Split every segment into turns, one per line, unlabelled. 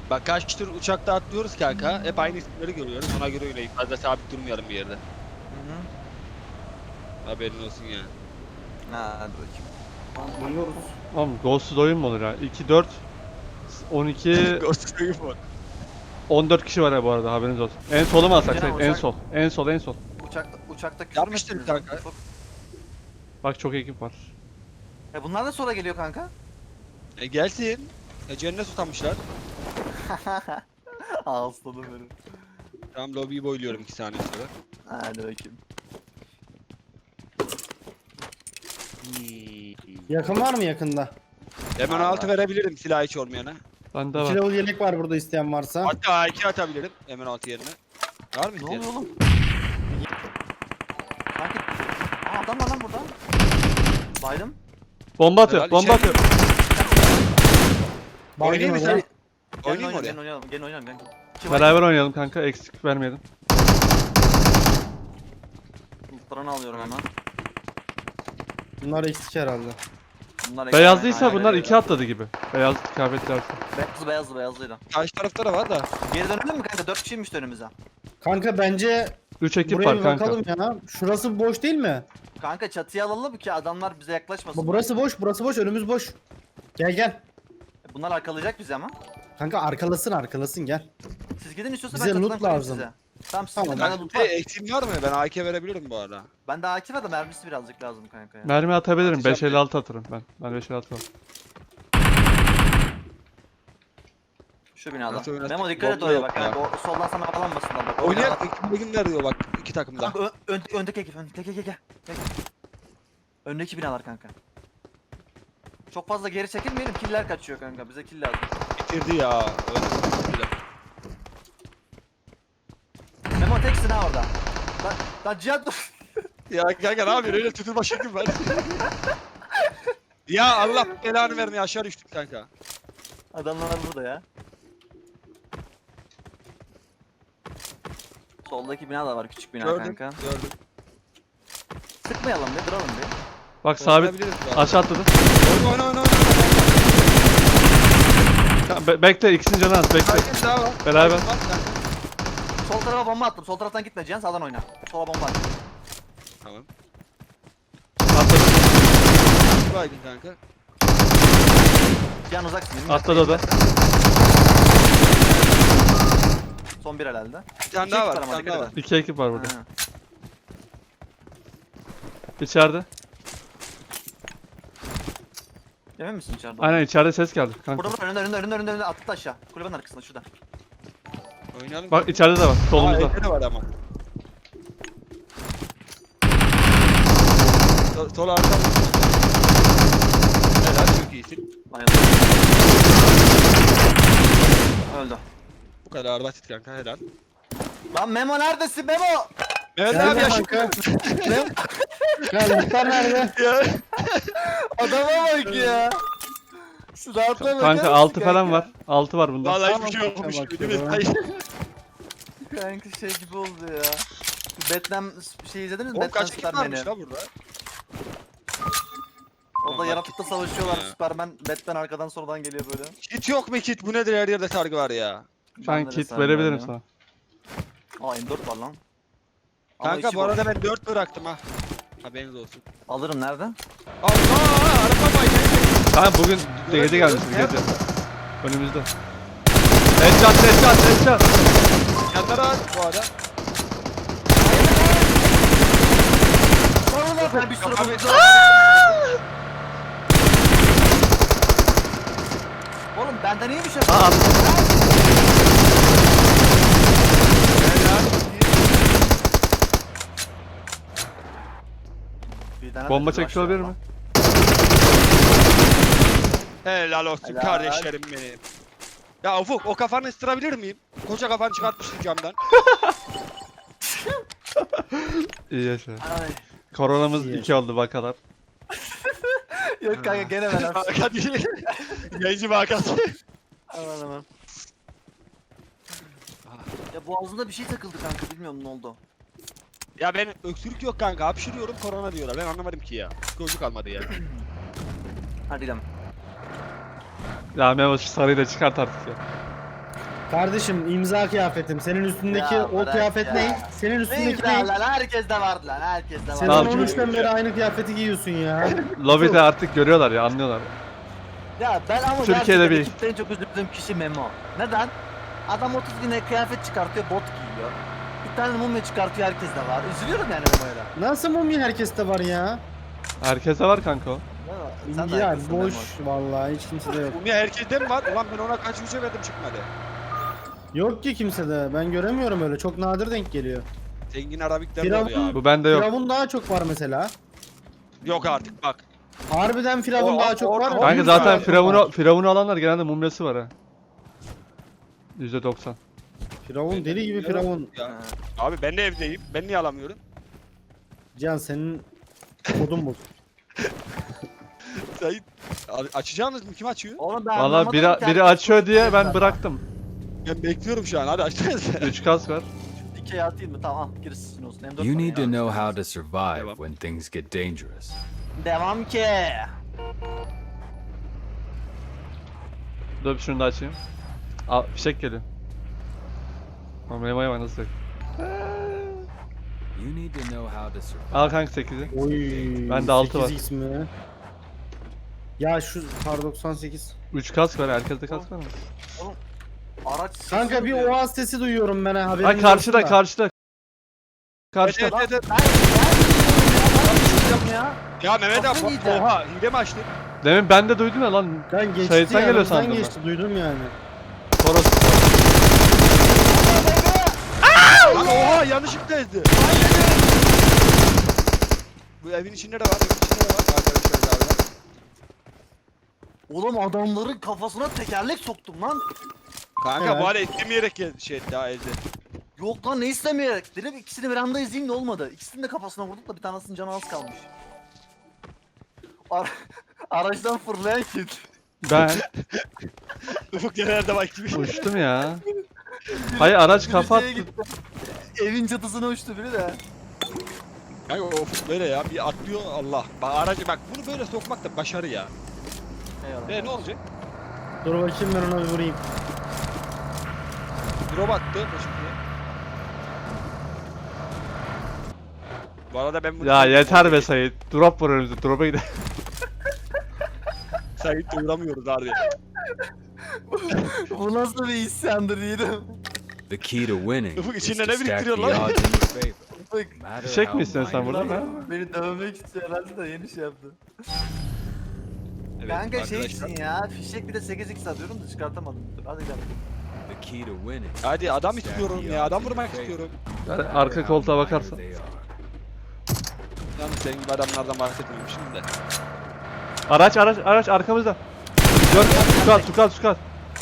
Bak kaç tür uçakta atlıyoruz kanka. Hep aynı isimleri görüyoruz. Ona göre oynayıp fazla sabit durmayalım bir yerde.
Hı.
Haberin olsun yani.
Ha, hadi bakayım.
Duyuyoruz.
Oğlum golsüz oyun mu olur ya? 2, 4, 12,
Ghost Game var.
14 kişi var ya bu arada, haberiniz olsun. En solu mu alsak?
Canım,
En
uçak-
sol. En sol, en sol.
Uçakta küfür
Yapmıştır
mü ettiniz
kanka.
lan?
Bak çok ekip var.
Bunlar da sonra geliyor kanka.
Gelsin. Cennet tutamışlar.
Aslanım benim.
Tamam lobiyi boyluyorum 2 saniye sonra.
Hadi bakayım.
Yakın var mı yakında?
Hemen altı verebilirim silah hiç olmayana.
Bende
2
var.
level yelek var burada isteyen varsa.
Hatta A2 atabilirim hemen altı yerine. Var mı
Ne
isteyen?
oluyor oğlum? Kanka. Adam var lan burada. Baydım.
Bomba atıyor,
Helal,
bomba
içeri-
atıyor.
Oynayayım mı
oraya.
sen?
Gel
Oynayayım mı oraya?
Gel oynayalım. Gel oynayalım. Gel.
Beraber oynayalım kanka, eksik vermeyelim.
Lootlarını alıyorum hemen.
Bunlar eksik herhalde.
Bunlar
Beyazlıysa
aynen
bunlar
öyle.
2 atladı gibi. Beyaz kıyafetlerse.
Beyazlıydı.
Karşı tarafta da var da.
Geri dönelim mi kanka? 4 kişiymiş önümüze.
Kanka bence
3 ekip
buraya
var
bir
kanka.
bakalım ya. Şurası boş değil mi?
Kanka çatıya alalım ki adamlar bize yaklaşmasın.
Burası boş, burası boş, önümüz boş. Gel gel.
Bunlar arkalayacak bizi ama.
Kanka arkalasın gel.
Siz gidin istiyorsa
Bize
ben
loot
çatıdan koyayım
lazım.
size. Tamam siz
Tamam,
gidin. Bende loot var.
Eksiğin var mı? Ben AK verebilirim bu arada.
Bende AK var da mermisi birazcık lazım kanka ya.
Mermi atabilirim.
Atacağım
556 atarım ben. Ben 556 var.
Şu binada.
Nasıl oynasın?
Memo dikkat et
Bomba
oraya
yok
bak
ya.
kanka. O soldan sana bağlanmasınlar bak.
Oynayalım. Ekibimler diyor bak iki takımda.
Kanka öndeki ekip. Gel. Öndeki binalar kanka. Çok fazla geri çekilmeyelim. Killer kaçıyor kanka. Bize kill lazım.
Bitirdi ya. Öyle.
Memo teksin ha orada. Lan Cihat dur.
Ya kanka ne yapıyorsun? Öyle tutulma şeklim var. Ya Allah belanı vermeye aşağı düştük kanka.
Adamlar burada ya. Soldaki bina da var, küçük bina
Gördüm.
kanka.
Gördüm.
Sıkmayalım bir, duralım bir.
Bak sabit.
Oynayabiliriz bu arada.
Aşağı atladı.
Oyna.
Bekle, ikisinin canı az, bekle.
Herkes daha var.
Beraber.
Bak, kanka.
Sol tarafa bomba attım. Sol taraftan gitme Cihan, sağdan oyna. Sola bomba attım.
Tamam.
Atladı.
Baydın kanka.
Cihan uzaksın. 20
Atladı o da.
Son bir herhalde.
Bir tane
İki
daha
ekip
var. Bir
ama,
tane
dikkat
daha var.
edin.
2 ekip var burada.
Ha.
İçeride.
Emin misin içeride?
Aynen, içeride ses geldi kanka.
Burada önünde attı aşağı. Kulübenin arkasında şurada.
Oynayalım.
Bak içeride de var, solumuzda.
Aa, var ama. Sol arka. Helal çok iyisin.
Bayıldı. Öldü.
Bu kadar basit kanka helal.
Lan Memo neredesin Memo?
Mehmet
Nerede
abi yaşım.
kanka? Ya muhtar nerede?
Ya.
Adama bak ya. Silahla bakar
Kanka
mısın
6 falan
kanka?
var. 6 var bunda.
Vallahi
Tamam,
hiçbir şey yokmuş
kanka,
gibi değil mi?
bakıyorum.
Hayır.
Kanka şey gibi oldu ya. Batman şey izlediniz mi?
Oğlum
Batman
kaç ekip varmış
Superman'i.
la burada?
Orada
Vallahi
yaratıkla
kit
savaşıyorlar.
ya.
Superman, Batman arkadan sonradan geliyor böyle.
Kit yok mu kit? Bu nedir her yerde sargı var ya.
Ben
Bende de
kit
sarı
verebilirim
var ya.
sana.
Aa M4 var lan. Ama
Kanka
içi
bu arada
boş.
ben 4 bıraktım ha. Haberiniz olsun.
Alırım nerede?
Allah araba baydı.
Kanka bugün gece gelmişiz, gece. Önümüzde. Headshot.
Yanlara at bu arada.
Sonra bir sürü
Abi,
buldu. Oğlum benden iyi bir şey.
Aa,
Bir tane
bomba
de
çekmiş
rush
olabilir
var
mi?
Helal olsun
Helal.
kardeşlerim benim. Ya Ufuk o kafanı ısırabilir miyim? Koca kafanı çıkartmışsın camdan.
İyi yaşa.
lan. Ay.
Koronamız
İyi
2 oldu bakalım.
Yok kanka gene ben hapsi.
Hakan değil. Yayıncı vakası.
Aman aman. Ya boğazımda bir şey takıldı kanka, bilmiyorum ne oldu.
Ya ben öksürük yok kanka hapşırıyorum korona diyorlar ben anlamadım ki ya. Psikolojik kalmadı ya.
Hadi gidelim.
Ya Memo şu sarıyı da çıkart artık ya.
Kardeşim imza kıyafetim. Senin üstündeki
Ya
o
bırak
kıyafet
ya.
ne? Senin
Ne
üstündeki
güzel
ne?
lan, herkes de vardı lan, herkes de
Sen
vardı.
Tamam.
13'ten beri aynı kıyafeti giyiyorsun ya.
Lobide artık görüyorlar ya, anlıyorlar.
Ya ben ama
Türkiye'de
gerçekten
bir-
ekipte en çok üzüldüğüm kişi Memo. Neden? Adam 30 güne kıyafet çıkartıyor, bot giyiyor. Bir tane mumya çıkartıyor, herkes de var. Üzülüyorum yani Memo'yla.
Nasıl mumya herkeste var ya?
Herkese var kanka o.
Sen de
Ya
haklısın
boş
Memo.
vallahi hiç kimsede yok.
Umya herkeste mi var? Ulan ben ona kaç yüze verdim çıkmadı.
Yok ki kimsede. Ben göremiyorum öyle. Çok nadir denk geliyor.
Zengin Arabikler de
Firavun-
oluyor abi.
Bu bende yok.
Firavun daha çok var mesela.
Yok artık bak.
Harbiden Firavun
O-
daha çok
o-
var.
o-
Kanka
Yüz
zaten
daha çok var.
Firavun'u alanlar genelde mumyası var ha. %90.
Firavun deli gibi Firavun.
Ya. Abi ben de evdeyim. Ben niye alamıyorum?
Can senin kodun bu.
Sayın açacağınız mı? Kim açıyor?
Oğlum ben
Valla
anlamadım
biri,
ki
biri
herkes
açıyor diye ben
zaten.
bıraktım.
Ben bekliyorum şu an. Hadi açsanıza.
3 kas var.
Dikey atayım mı? Tamam, girsin olsun. M4
You
var
need
ya.
to know how to survive
Devam.
when things get dangerous.
Devam ki.
Dur şunu da açayım. Al fişek geliyor. Ama Memo'ya bak nasıl yok.
You need to know how to survive.
Al kanka 8'i.
Oy.
Bende 6 var.
8x mi? Ya şu kar 98.
3 kas var, herkeste kas var mı?
Araç sesi
Kanka bir
duyuyor.
oğaz sesi duyuyorum ben ha haberin
Ha karşıda
olsun da.
karşıda. Karşıda.
Evet, evet, evet.
Ben ya.
Ya Mehmet abi
Kafayı yiyeceğim.
oha hile mi açtın?
Demin ben de duydum ya lan.
Ben geçti
Sayıttan geliyor
yanımızdan
sandım ben.
geçti duydum yani.
Toros.
Lan oha yanlışlıkla ezdi. Bu evin içinde de var. Evin içinde de var. Arkadaşlar galiba.
Oğlum adamların kafasına tekerlek soktum lan.
Kanka
Evet.
bu hala istemeyerek şey daha ezdi.
Yok lan, ne istemeyerek. Dedim ikisini bir anda izleyeyim de olmadı. İkisini de kafasına vurduk da bir tanesinin canı az kalmış. Araçtan fırlayan kim?
Ben
Ufuk genelde bak gibi.
uçtum ya. Hayır araç kafa
Şeye
attı.
gitti. Evin çatısına uçtu biri de.
Kanka o Ufuk böyle ya bir atlıyor Allah. Bak aracı bak bunu böyle sokmak da başarı ya.
Eyvallah.
Ne olacak?
Dur bakayım ben ona bir vurayım.
Drop attı şimdi. Bu arada ben bunu...
Ya yeter be Sayit. Drop var önümüzde. Drop'a gidelim.
Sayıkla uğramıyoruz abi.
Bu nasıl bir isyandır yedim.
The key to winning
Ufuk
is
içinde
to
ne
stack the
biriktiriyor lan?
odds in your favor.
Bak.
no matter
Fişek
how
mi istiyorsun sen
minor
burada?
they
Ha?
are.
Beni dövmek istiyor herhalde de yeni şey yaptı.
Evet,
Kanka
arkadaşlar.
şeysin ya, fişek bir de 8x atıyorum da çıkartamadım. Dur hadi gel.
The key to winning is
Hadi
to
adam
stack
istiyorum
the
ya
odds
adam
in your
vurmak
favor,
istiyorum.
no
Yani
matter
arka
how
koltuğa
minor
bakarsan.
they are.
Yalnız senin gibi adamlardan bahsetmiyorum şimdi de.
Araç arkamızda. Gör, Tukat.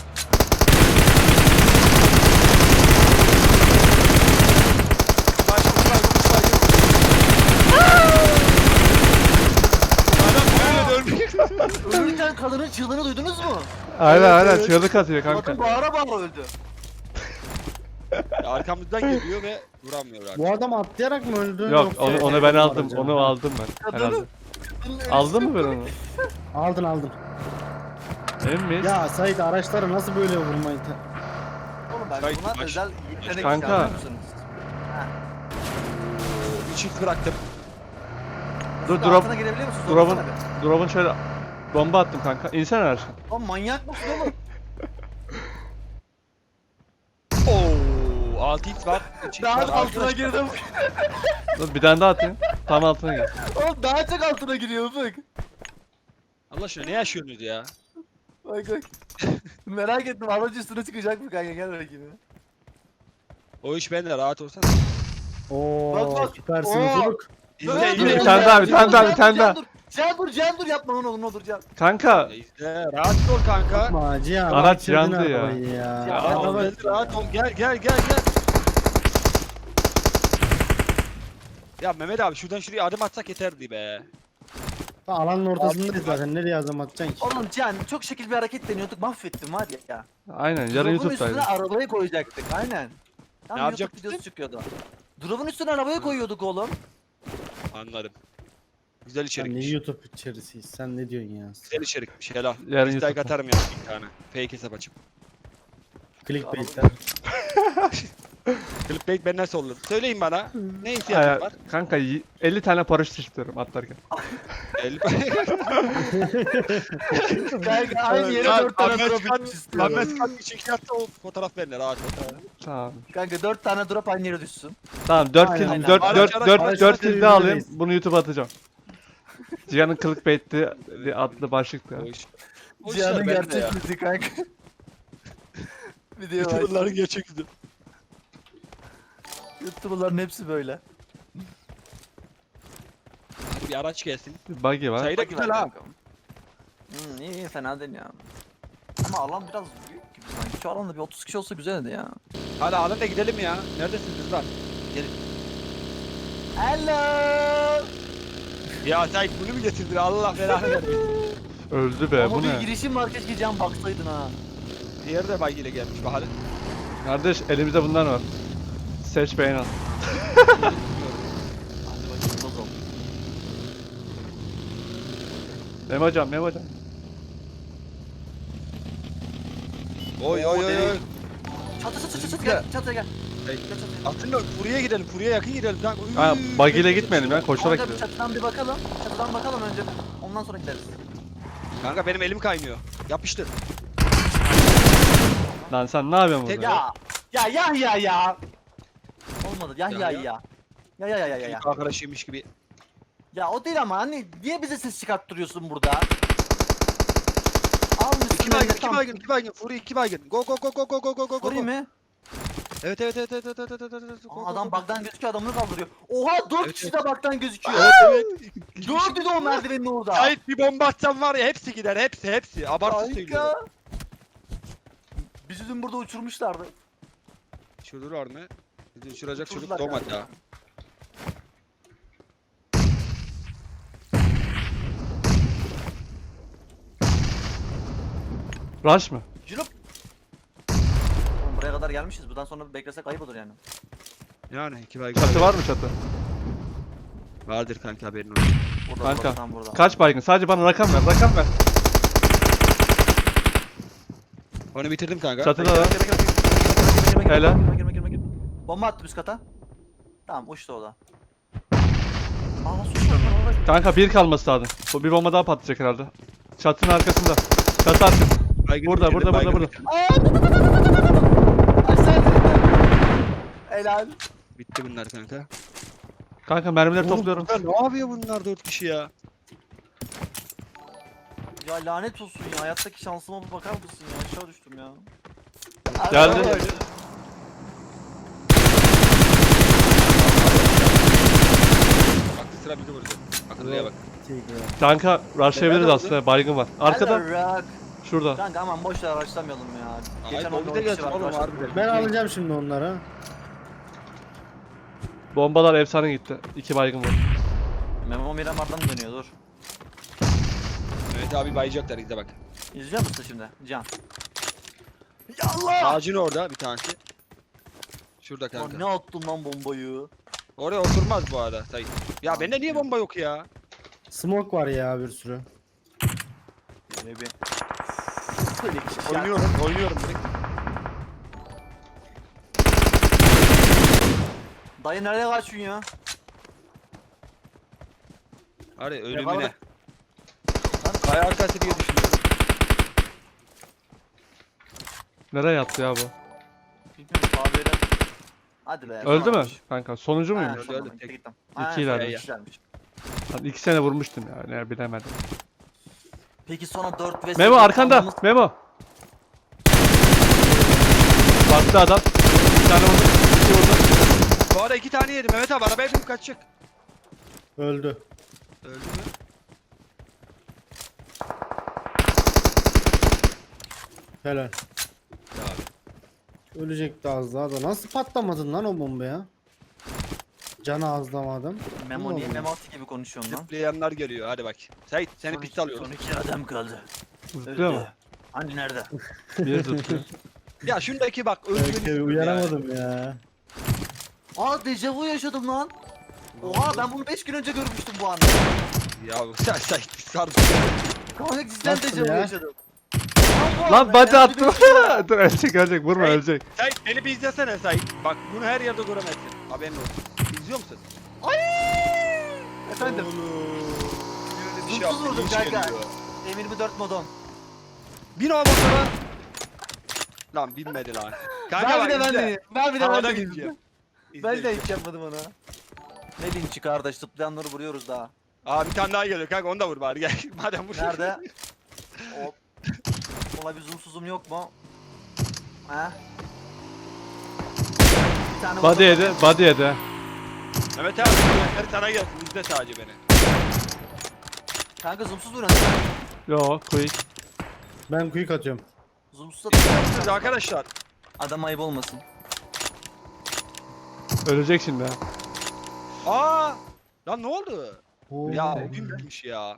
Adam böyle dönmüyor.
Ölürken kadının çığlığını duydunuz mu?
Aynen çığlık atıyor kanka.
Kadın bağıra bağıra öldü.
Arkamızdan geliyor ve vuramıyor artık.
Bu adam atlayarak mı öldü?
Yok
yoksa
onu ben aldım.
aracı?
Onu aldım ben herhalde.
Kadının ölüsü-
Aldın mı ben onu?
Aldın.
Emin miyiz?
Ya Sait araçları nasıl böyle vurmayı
Oğlum ben
Kayıt
buna
maç.
özel yetenek
Kanka.
istiyorum musunuz?
Bir çift bıraktım.
Dur
Siz altına girebiliyor musunuz?
Drop'un
Sorsana bir.
Drop'un şöyle bomba attım kanka. İnsene araçtan.
Lan manyak mısın oğlum?
Oo, 6x var. çift
Daha
var,
altına
arkadaşlar.
girdim.
Dur bir tane daha atayım. Tam altına gir.
Oğlum daha çok altına giriyor bak.
Allah aşkına ne yaşıyorsunuz ya?
Bak. Merak ettim, aracı üstüne çıkacak mı kanka, gel bakayım.
O iş bende rahat olsan.
Oo
Bak, bak.
süpersin
Oo.
Ufuk.
İzle
Bir
izle.
tane daha, bir tane daha.
Can dur yapma onu, ne olur Can.
Kanka
İzle, rahat ol kanka.
Yapma Cihan.
Araç
bitirdin
yandı ya.
arabayı ya.
Ya,
Rahat ol, rahat ol. Gel. Ya Mehmet abi şuradan şuraya adım atsak yeterdi be.
Alanın ortasındayız zaten. Nereye adım atacaksın ki?
Oğlum Can, çok şekil bir hareket deniyorduk, mahvettim var ya.
aynen yarın
Drop'un
YouTube'daydı.
üstüne arabayı koyacaktık, aynen. Tam YouTube
yapacaktık?
videosu çıkıyordu. Drop'un üstüne arabayı koyuyorduk oğlum.
Anladım. Güzel
Sen ne
içerikmiş.
YouTube içerisiyiz? Sen ne diyorsun ya?
Güzel içerikmiş helal.
Yarın
Dislike
YouTube'da.
atarım ya bir tane. Fake hesap açıp.
Clickbait'ler.
Clickbait ben nasıl olur? Söyleyin bana. Ne
Aya-
ihtiyacın var?
Kanka 50 tane paraşüt istiyorum atlarken.
Kanka aynı yere
Ya,
4 tane
Ahmet
drop
Kan-
istiyorum.
Ahmet Kan bir çekim yapsa o fotoğraf benimle rahat ol.
Tamam.
Kanka 4 tane drop aynı yere düşsün.
Tamam 4
Aynen,
kill
aynen.
4
Araç,
4
araç,
4
araç
4 kill
birbirine
daha alayım.
reis.
Bunu YouTube'a atacağım. Cihan'ın clickbait'li adlı başlıkta.
O iş. O
Cihan'ın
işler bende ya.
gerçek yüzü kanka. Video var.
YouTuber'ların gerçek yüzü.
YouTuber'ların hepsi böyle.
Hadi bir araç gelsin.
Buggy var.
Sayı da
Bak
güzel
güzel
ha.
kanka. İyi iyi fena değil ya. Ama alan biraz büyük gibi sanki. Şu alanda bir 30 kişi olsa güzeldi ya.
Hadi alın da gidelim ya. Neredesiniz lan?
Hello.
Ya sen bunu mu getirdin? Allah belanı vermesin.
Öldü be
Ama
bu
bir
ne?
girişim var keşke Cihan baksaydın ha.
Diğeri de bagiyle gelmiş bakalım.
Kardeş elimizde bunlar var. Seç beğen al.
Hadi bakayım toz ol.
Memo hocam Memo hocam.
Oy oy oy oy.
Çatı gel çatıya gel.
Hey.
Gel çatıya.
Aslında buraya gidelim, buraya yakın gidelim. Lan,
Ha buggy ile gitmeyelim ya koşarak
Kanka bir
gidelim.
çatıdan bir bakalım. Çatıdan bakalım önce. Ondan sonra gideriz.
Kanka benim elim kaymıyor. Yapıştır.
Lan sen ne yapıyorsun burada?
Ya. Olmadı. Ya.
Ya.
Ya.
Çocuk arkadaşıymış gibi.
Ya o değil ama hani niye bize ses çıkarttırıyorsun burada? Almışsın
İki
ben de
baygın, iki
tam-
baygın, iki baygın. Furi iki baygın. Go go go go go go go go.
Vurayım mı?
Evet evet evet evet evet evet evet. evet. Go,
Aa,
go,
adam
go.
bug'dan gözüküyor adamını kaldırıyor. Oha 4
Evet,
kişi de bug'dan gözüküyor.
Evet evet.
Gördü de o merdivenin orada.
Sait bir bomba atsam var ya hepsi gider hepsi. Abartı söylüyorum.
Kanka. Bizi dün burada uçurmuşlardı.
Şurada mı? Bizi uçuracak çocuk
Uçurdular
doğmadı
kanka.
ya.
Rush mı?
Cülüp. Oğlum buraya kadar gelmişiz. Buradan sonra beklesek ayıp olur yani.
Yani iki baygın.
Çatı var mı çatı?
Vardır kanka haberin olsun.
Burada
Kanka,
tam burada.
Kaç baygın? Sadece bana rakam ver.
Onu bitirdim kanka.
Çatıda da.
Girme,
Helal.
girme. Bomba attı üst kata. Tamam uçtu o da. Aa nasıl uçtu lan orada?
Kanka bir kalması lazım. Bu bir bomba daha patlayacak herhalde. Çatının arkasında. Çatı arkası.
Baygın
Burada,
bitirdim,
burada.
baygın bitirdim.
Aşağı indi. Helal.
Bitti bunlar kanka.
Kanka mermileri
Oğlum
topluyorum.
bunlar ne yapıyor bunlar 4 kişi ya?
Ya lanet olsun ya. Hayattaki şansıma bir bakar mısın ya? Aşağı düştüm ya.
Geldi.
Helal.
Bak sıra bizi vurdu. Akıllıya bak.
Kanka rushlayabiliriz
Nerede
aslında. Baygın var. Arkada.
Helal rock.
Şurada.
Kanka aman boş ver araçlamayalım ya.
Ay
Geçen
o
oyunda
bir de
10 kişi
gelsin
var
oğlum
arkadaşlar.
harbiden.
Ben alacağım şimdi onları.
Bombalar efsane gitti. 2 baygın var.
Memo Miramar'dan dönüyor dur.
Evet abi bayacaklar izle bak.
İzliyor musun şimdi Can? Yallah!
Ağacın orada bir tanesi. Şurada
Lan
kanka.
ne attın lan bombayı?
Oraya oturmaz bu arada Sayın. Ya bende niye bomba yok ya?
Smoke var ya bir sürü.
Böyle bir... Böyle kişi
Oynuyorum direkt.
Dayı nereye kaçıyorsun ya?
Hadi ölümüne.
Yakaladık.
Kaya arkası diye düşünüyorum.
Nereye yattı ya bu?
Bilmiyorum kahveyle. Hadi be.
Öldü mü?
sonramış.
Kanka sonuncu
Ha,
muymuş?
Öldü,
sonra
öldü.
gitti, gittim.
İki
Ha,
ileride.
iki ilermiş.
Lan 2 sene vurmuştum ya. Ne bilemedim.
Peki sonra 4 ve
Memo
8
arkanda.
almamız-
Memo. Baktı adam. Bir tane vurdu. 2 vurdu.
Bu arada 2 tane yedim. Evet abi arabaya binip kaçacak.
Öldü.
Öldü mü?
Helal.
Ya abi.
Ölecekti az daha da. Nasıl patlamadın lan o bomba ya? Canı azlamadım.
Memo niye
Allah.
Memati gibi konuşuyorsun lan?
Zıplayanlar geliyor hadi bak. Sait seni
Son
piste
iki-
alıyorum.
Son 2 adam kaldı.
Zıplıyor mu?
Hani nerede?
Bir zıplıyor.
Ya şundaki bak
Belki
özgürlük.
uyaramadım ya.
Aa dejavu yaşadım lan. Oha ben bunu 5 gün önce görmüştüm bu anda.
Ya sen Sait bir sardı.
Kanka cidden
Nasıl
dejavu
ya?
yaşadım. Lan
Lan body attım. Dur ölecek vurma
Hey.
ölecek.
Sait beni bir izlesene Sait. Bak bunu her yerde göremezsin. Haberin olsun. İzliyor musun?
Efendim.
Bir şey
Zoomsuz
yaptı,
vurdum
hiç
kanka.
geliyor.
M24 modon.
Bin o motora. Lan binmedi lan. Kanka
Ben
bak
bir de ben
izle.
de. Ben bir de ben
Havada
de.
bineceğim.
Ben de hiç yapmadım onu. Ne linçi kardeş, zıplayanları vuruyoruz daha.
Aa bir tane daha geliyor kanka onu da vur bari gel. Madem vur.
Nerede? Hop. Ola bir zoomsuzum yok mu? Ha? Bir tane
Body
vurdum.
yedi, body yedi.
Mehmet abi her sana gelsin izle sadece beni.
Kanka zoomsuz vuruyorsun değil mi?
Yo, quick.
Ben quick atıyorum.
Zoomsuz
Siz
atıyor.
arkadaşlar.
Adam ayıp olmasın.
Ölecek şimdi ha.
Aa! Lan ne oldu?
Oo.
Ya o gün bitmiş ya.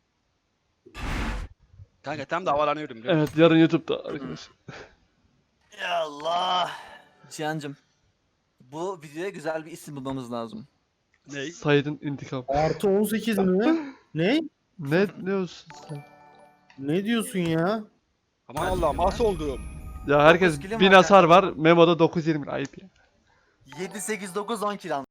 Kanka tam da havalanıyorum biliyor musun?
Evet, yarın YouTube'da arkadaşlar.
Ya Allah. Cihan'cım. Bu videoya güzel bir isim bulmamız lazım.
Ney?
Said'in intikam.
Artı 18 mi? Ne?
Ne diyorsun sen?
Ne diyorsun ya?
Aman Allah'ım as oldum.
Ya herkes
Dokuz kilim
1000
var
hasar var. Memo'da 920 ayıp ya.
7, 8, 9, 10 kill